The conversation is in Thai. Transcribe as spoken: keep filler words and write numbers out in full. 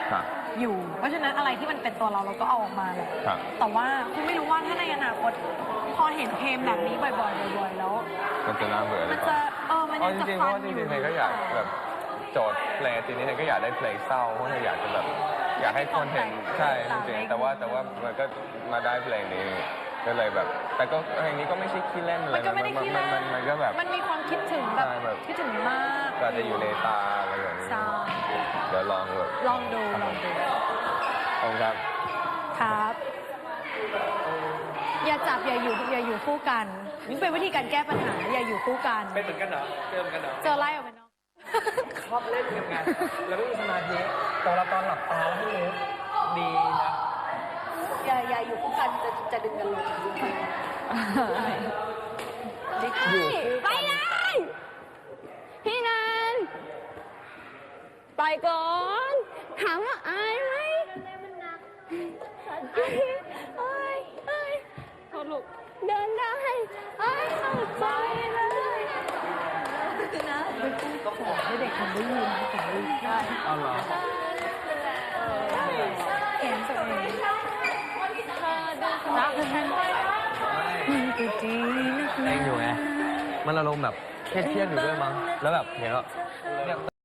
อยู่เพราะฉะนั้นอะไรที่มันเป็นตัวเราเราก็เอาออกมาแหละแต่ว่าคุณไม่รู้ว่าถ้าในอนาคตพอเห็นเพลงแบบนี้บ่อยๆบ่อยๆแล้วมันจะน่าเบื่อมันจะเออมันจะจริงๆเพราะว่าจริงๆเธอก็อยากแบบโจทย์เพลงทีนี้เธอก็อยากได้เพลงเศร้าเพราะเธออยากจะแบบอยากให้คนเห็นใช่จริงๆแต่ว่าแต่ว่ามันก็มาได้เพลงนี้ก็เลยแบบแต่ก็เพลงนี้ก็ไม่ใช่ขี้เล่นอะไรมันมันมันมันก็แบบมันมีความคิดถึงแบบคิดถึงมากก็จะอยู่ในตาอะไรอย่างนี้เดี๋ยวลองแบบลองดูลองดูขอบคุณครับครับอย่าจับอย่าอยู่อย่าอยู่คู่กันนี่เป็นวิธีการแก้ปัญหาอย่าอยู่คู่กันเป็นเหมือนกันเหรอเจอเหมือนกันเหรอเจอไล่ออกไปเนาะชอบเล่นกันไงแล้วไม่มีสมาธิตอนเราตอนหลับตาแล้วไม่รู้ดีนะอย่าอย่าอยู่คู่กันจะจะดึงกันลงอยู่ไปเลยพี่นันไปก่อนถามว่าอายไหมเอ้ยเอ้ยเอ้ยโทษลูกเดินได้เอ้ยเข้าใจเลยนะก็ขอให้เด็กคนได้ยินขอได้ได้อ๋อเหรอเห็นตัวเองรักกันจริงจริงเองอยู่ไงมันอารมณ์แบบเครียดๆอยู่ด้วยมั้งแล้วแบบเห็นว่าเนี่ย